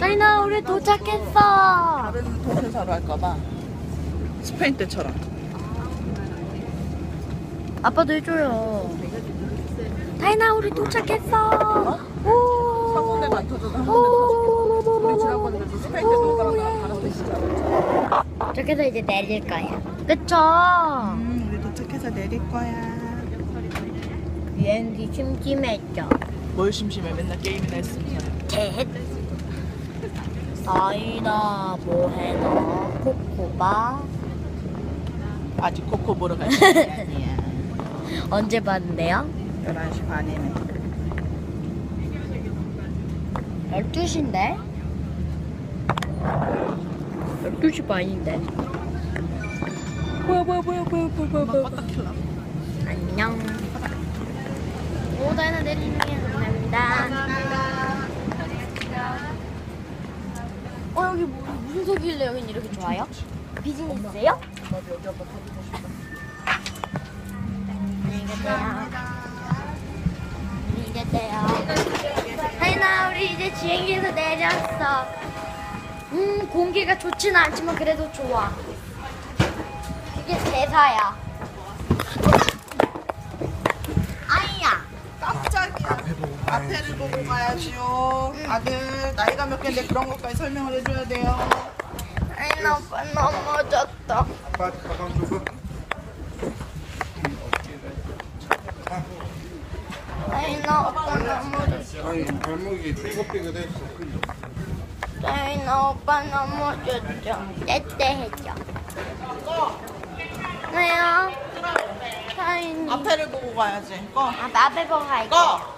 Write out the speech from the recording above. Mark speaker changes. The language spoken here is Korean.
Speaker 1: 다이나 우리 도착했어.
Speaker 2: 다른 도시사로 할까봐. 스페인 때처럼.
Speaker 1: 아빠도 해줘요. 다이나 우리 도착했어. 오.
Speaker 2: 한 군데만 안 터져도 한 군데 터지고. 우리 지난번에 그래서 스페인 때 놀다가 다른 도시사로.
Speaker 1: 저기서 이제 내릴 거야. 그쵸?
Speaker 2: 우리 도착해서 내릴 거야.
Speaker 1: 비행기 심심했죠.
Speaker 2: 뭘 심심해? 맨날 게임이나 했으면서.
Speaker 1: 셋. 다이나 뭐해너 코코바.
Speaker 2: 아직 코코 보러 갈 시간이 아니야.
Speaker 1: 언제 봤는데요?
Speaker 2: 11시 반이네.
Speaker 1: 12시인데? 12시 반인데.
Speaker 2: 뭐야. 껐다 킬라.
Speaker 1: 안녕. 오, 다이나 내리는 게 감사합니다. 여기 무슨 색이길래 여긴 이렇게 좋아요? 비즈니스예요?
Speaker 2: 나도 여기 한번 타보고 싶다.
Speaker 1: 안녕히 계세요. 안녕히 계세요. 다이나 우리 이제 비행기에서 내렸어. 공기가 좋지는 않지만 그래도 좋아. 이게 대사야. 아이야.
Speaker 2: 깜짝이야. 앞에를 보고 가야지요. 아들 나이가 몇 개인데 그런 것까지 설명을 해줘야 돼요.
Speaker 1: 다이나 오빠 넘어졌다.
Speaker 3: 아빠 가방 줘봐.
Speaker 1: 다이나 오빠 넘어졌어.
Speaker 3: 아니 발목이 삐걱삐걱했어.
Speaker 1: 다이나 오빠 넘어졌죠. 떼떼했죠. 왜요? 다이니.
Speaker 2: 앞에를 보고 가야지. 꺼.
Speaker 1: 앞에 보고 갈게요.